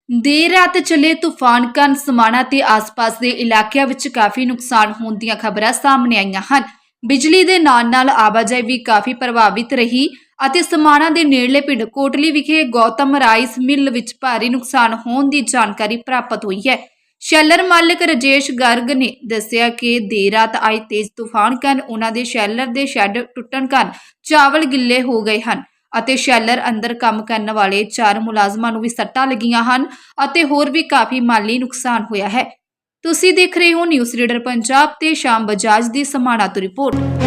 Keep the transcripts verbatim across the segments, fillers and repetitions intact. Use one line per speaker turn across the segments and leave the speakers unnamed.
देर रात चले तूफान काਰਨ समाणा ते आस-पास ਦੇ ਇਲਾਕਿਆਂ ਵਿੱਚ ਕਾਫੀ ਨੁਕਸਾਨ ਹੋਣ ਦੀਆਂ ਖਬਰਾਂ ਸਾਹਮਣੇ ਆਈਆਂ ਹਨ। ਬਿਜਲੀ ਦੇ ਨਾਲ-ਨਾਲ ਆਵਾਜਾਈ ਵੀ ਕਾਫੀ ਪ੍ਰਭਾਵਿਤ ਰਹੀ ਅਤੇ समाणा ਦੇ ਨੇੜਲੇ ਪਿੰਡ ਕੋਟਲੀ ਵਿਖੇ ਗੌਤਮ ਰਾਈਸ ਮਿਲ ਵਿੱਚ ਭਾਰੀ ਨੁਕਸਾਨ ਹੋਣ ਦੀ ਜਾਣਕਾਰੀ ਪ੍ਰਾਪਤ ਹੋਈ ਹੈ। ਸ਼ੈਲਰ ਮਾਲਕ ਰਜੇਸ਼ ਗਰਗ ਨੇ ਦੱਸਿਆ ਕਿ ਦੇਰ ਰਾਤ ਆਏ ਤੇਜ਼ ਤੂਫਾਨ ਕਾਰਨ ਉਹਨਾਂ ਦੇ ਸ਼ੈਲਰ ਦੇ ਸ਼ੈੱਡ ਟੁੱਟਣ ਕਾਰਨ ਚਾਵਲ ਗਿੱਲੇ ਹੋ ਗਏ ਹਨ ਅਤੇ ਸ਼ੈਲਰ ਅੰਦਰ ਕੰਮ ਕਰਨ ਵਾਲੇ ਚਾਰ ਮੁਲਾਜ਼ਮਾਂ ਨੂੰ ਵੀ ਸੱਟਾਂ ਲੱਗੀਆਂ ਹਨ ਅਤੇ ਹੋਰ ਵੀ ਕਾਫੀ ਮਾਲੀ ਨੁਕਸਾਨ ਹੋਇਆ ਹੈ। ਤੁਸੀਂ ਦੇਖ ਰਹੇ ਹੋ ਨਿਊਜ਼ ਰੀਡਰ ਪੰਜਾਬ ਤੇ ਸ਼ਾਮ ਬਜਾਜ ਦੀ समाणा ਤੋਂ ਰਿਪੋਰਟ।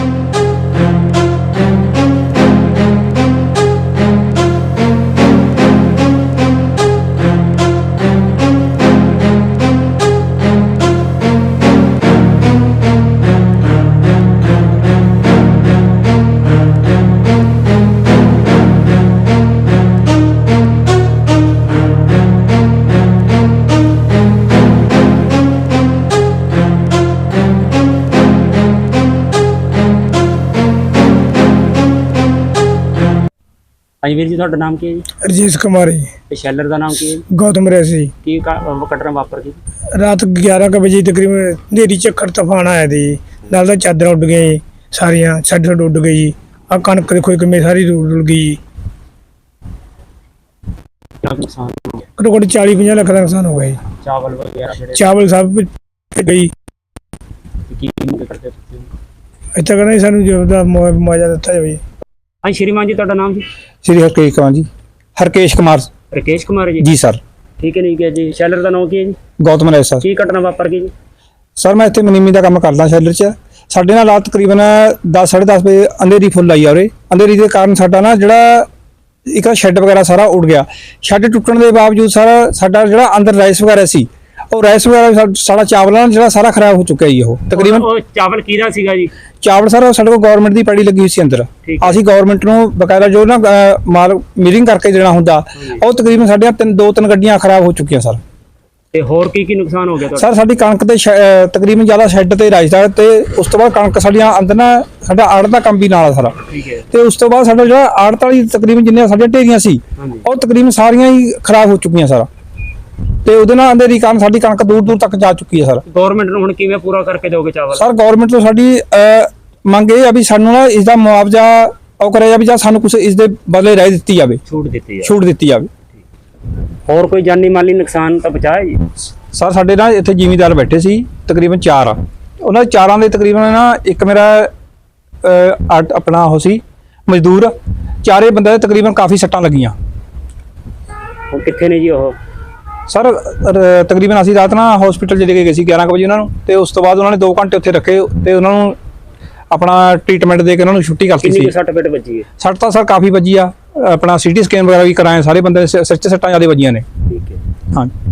ਹਾਂਜੀ ਵੀਰ ਜੀ, ਤੁਹਾਡਾ ਨਾਮ ਕੀ ਹੈ ਜੀ?
ਰਜੇਸ਼ ਕੁਮਾਰ ਜੀ।
ਤੇ ਸ਼ੈਲਰ ਦਾ ਨਾਮ ਕੀ ਹੈ ਜੀ?
ਗੌਤਮ ਰੈਸੀ।
ਕੀ ਘਟਨਾ ਵਾਪਰ ਗਈ?
ਰਾਤ ਗਿਆਰਾਂ ਕੁ ਵਜੇ ਤਕਰੀਬਨ ਹਨੇਰੀ ਝੱਖੜ ਤੂਫਾਨ ਆਇਆ ਦੀ ਨਾਲ ਦਾ ਚਾਦਰਾਂ ਉੱਡ ਗਈਆਂ ਜੀ, ਸਾਰੀਆਂ ਛੱਡ ਛੱਡ ਉੱਡ ਗਈ ਜੀ। ਆ ਕਣਕ ਦੇਖੋ ਕਿਵੇਂ ਸਾਰੀ ਰੁੜ ਗਈ ਜੀ।
ਕਿੰਨਾ ਕੁ ਨੁਕਸਾਨ ਹੋ ਗਿਆ?
ਘੱਟੋ ਘੱਟ ਚਾਲੀ ਪੰਜਾਹ ਲੱਖ ਦਾ ਨੁਕਸਾਨ ਹੋ ਗਿਆ ਜੀ।
ਚਾਵਲ ਵਗੈਰਾ ਜਿਹੜੇ
ਚਾਵਲ ਸਭ ਗਈ।
ਕੀ ਮੰਗ ਕਰਦੇ ਤੁਸੀਂ?
ਇੱਥੇ ਕਹਿੰਦੇ ਸਾਨੂੰ ਜੋ ਦਾ ਮੁਆਵਜ਼ਾ ਦਿੱਤਾ ਜਾਵੇ।
ਹਾਂਜੀ ਸ਼੍ਰੀਮਾਨ ਜੀ, ਤੁਹਾਡਾ ਨਾਮ ਜੀ?
श्री हरकेश कुमार जी। हरकेश कुमार
ਰਕੇਸ਼ ਕੁਮਾਰ ਜੀ।
जी सर।
ਠੀਕ ਹੈ, ਨਹੀਂ ਹੈ ਜੀ। ਸ਼ੈਲਰ ਦਾ ਨਾਮ ਕੀ ਹੈ ਜੀ?
गौतम राय सर।
ਕੀ ਘਟਨਾ ਵਾਪਰ ਗਈ ਜੀ?
सर मैं इतने मनीमी का काम करदा शैलर च। साढ़े नाल रात तकरीबन दस साढ़े दस बजे अंधेरी फुल आई और अंधेरी के कारण साडा ना जिहड़ा एक शैड वगैरह सारा उड़ गया। शैड टुटण के बावजूद सारा साडा जिहड़ा अंदर राइस वगैरह सी और राइस वगैरह सारा चावल ना जिहड़ा सारा खराब हो चुका है जी। ਉਹ तकरीबन
ਉਹ ਚਾਵਲ ਕਿਹਦਾ ਸੀਗਾ ਜੀ?
ਚਾਵਲ ਸਾਰਾ ਸਾਡੇ ਕੋਲ ਗਵਰਨਮੈਂਟ ਦੀ ਪੈੜੀ ਲੱਗੀ ਹੋਈ ਸੀ ਅੰਦਰ। ਅਸੀਂ ਗਵਰਨਮੈਂਟ ਨੂੰ ਬਕਾਇਦਾ ਜੋ ਨਾ ਮਾਲ ਮੀਰਿੰਗ ਕਰਕੇ ਦੇਣਾ ਹੁੰਦਾ ਉਹ ਤਕਰੀਬਨ ਸਾਡੀਆਂ ਤਿੰਨ ਦੋ ਤਿੰਨ ਗੱਡੀਆਂ ਖਰਾਬ ਹੋ ਚੁੱਕੀਆਂ ਸਰ।
ਤੇ ਹੋਰ ਕੀ ਕੀ ਨੁਕਸਾਨ ਹੋ ਗਿਆ ਤੁਹਾਡਾ?
ਸਰ ਸਾਡੀ ਕਣਕ ਤੇ ਤਕਰੀਬਨ ਜ਼ਿਆਦਾ ਸ਼ੈੱਡ ਤੇ ਰਾਜਦਾਰ ਤੇ ਉਸ ਤੋਂ ਬਾਅਦ ਕਣਕ ਸਾਡੀਆਂ ਅੰਦਰ ਨਾ ਸਾਡਾ ਆੜਤ ਦਾ ਕੰਮ ਵੀ ਨਾਲ ਆ ਸਾਰਾ।
ਠੀਕ ਹੈ।
ਤੇ ਉਸ ਤੋਂ ਬਾਅਦ ਸਾਡਾ ਜਿਹੜਾ ਆੜਤ ਵਾਲੀ ਤਕਰੀਬਨ ਜਿੰਨੀਆਂ ਸਾਡੀਆਂ ਢੇਰੀਆਂ ਸੀ ਉਹ ਤਕਰੀਬਨ ਸਾਰੀਆਂ ਹੀ ਖਰਾਬ ਹੋ ਚੁੱਕੀਆਂ ਸਾਰਾ। ਤੇ ਉਹਦੇ ਨਾਲ ਅੰਧੇਰੀ ਕਾਰਨ ਸਾਡੀ ਕਣਕ ਦੂਰ ਦੂਰ ਤੱਕ ਜਾ ਚੁੱਕੀ ਹੈ ਸਰ।
ਗਵਰਨਮੈਂਟ ਨੂੰ ਹੁਣ ਕਿਵੇਂ ਪੂਰਾ ਕਰਕੇ ਦਿਓਗੇ ਚਾਵਲ?
ਸਰ ਗਵਰਨਮੈਂਟ ਤੋਂ ਸਾਡੀ ਮੰਗ ਇਹ ਆ ਵੀ ਸਾਨੂੰ ਨਾ ਇਸ ਦਾ ਮੁਆਵਜ਼ਾ ਉਹ ਕਰਿਆ ਜਾਵੇ ਜਾਂ ਸਾਨੂੰ ਕੁਝ ਇਸ ਦੇ ਬਦਲੇ ਰਹਿ ਦਿੱਤੀ ਜਾਵੇ,
ਛੂਟ ਦਿੱਤੀ ਜਾਵੇ।
ਛੂਟ ਦਿੱਤੀ ਜਾਵੇ।
ਹੋਰ ਕੋਈ ਜਾਨੀ ਮਾਲੀ ਨੁਕਸਾਨ ਤਾਂ ਬਚਾਇਆ ਜੀ?
ਸਰ ਸਾਡੇ ਨਾਲ ਇੱਥੇ ਜ਼ਿਮੀਂਦਾਰ ਬੈਠੇ ਸੀ ਤਕਰੀਬਨ ਚਾਰ ਆ। ਉਹਨਾਂ ਦੇ ਚਾਰਾਂ ਦੇ ਤਕਰੀਬਨ ਨਾ ਇੱਕ ਮੇਰਾ ਆਪਣਾ ਉਹ ਸੀ ਮਜ਼ਦੂਰ। ਚਾਰੇ ਬੰਦੇ ਦੇ ਤਕਰੀਬਨ ਕਾਫੀ ਸੱਟਾਂ ਲੱਗੀਆਂ।
ਉਹ ਕਿੱਥੇ ਨੇ ਜੀ ਉਹ?
ਸਰ ਤਕਰੀਬਨ ਅਸੀਂ ਰਾਤ ਨਾ ਹਸਪੀਟਲ ਚ ਲੈ ਕੇ ਗਏ ਸੀ ਗਿਆਰਾਂ ਕੁ ਵਜੇ ਉਹਨਾਂ ਨੂੰ। ਤੇ ਉਸ ਤੋਂ ਬਾਅਦ ਉਹਨਾਂ ਨੇ ਦੋ ਘੰਟੇ ਉੱਥੇ ਰੱਖੇ ਤੇ ਉਹਨਾਂ ਨੂੰ ਆਪਣਾ ਟ੍ਰੀਟਮੈਂਟ ਦੇ ਕੇ ਉਹਨਾਂ ਨੂੰ ਛੁੱਟੀ ਕਰਤੀ ਸੀ।
ਕਿੰਨੀ ਸੱਟ ਫੇਟ ਵੱਜੀ ਹੈ?
ਸੱਟ ਤਾਂ ਸਰ ਕਾਫੀ ਵੱਜੀ ਆ। ਆਪਣਾ ਸੀਟੀ ਸਕੈਨ ਵਗੈਰਾ ਵੀ ਕਰਾਏ ਸਾਰੇ ਬੰਦੇ ਦੇ ਸਿਰ 'ਚ ਸੱਟਾਂ ਜ਼ਿਆਦਾ ਵੱਜੀਆਂ ਨੇ।
ਠੀਕ ਹੈ।
ਹਾਂ।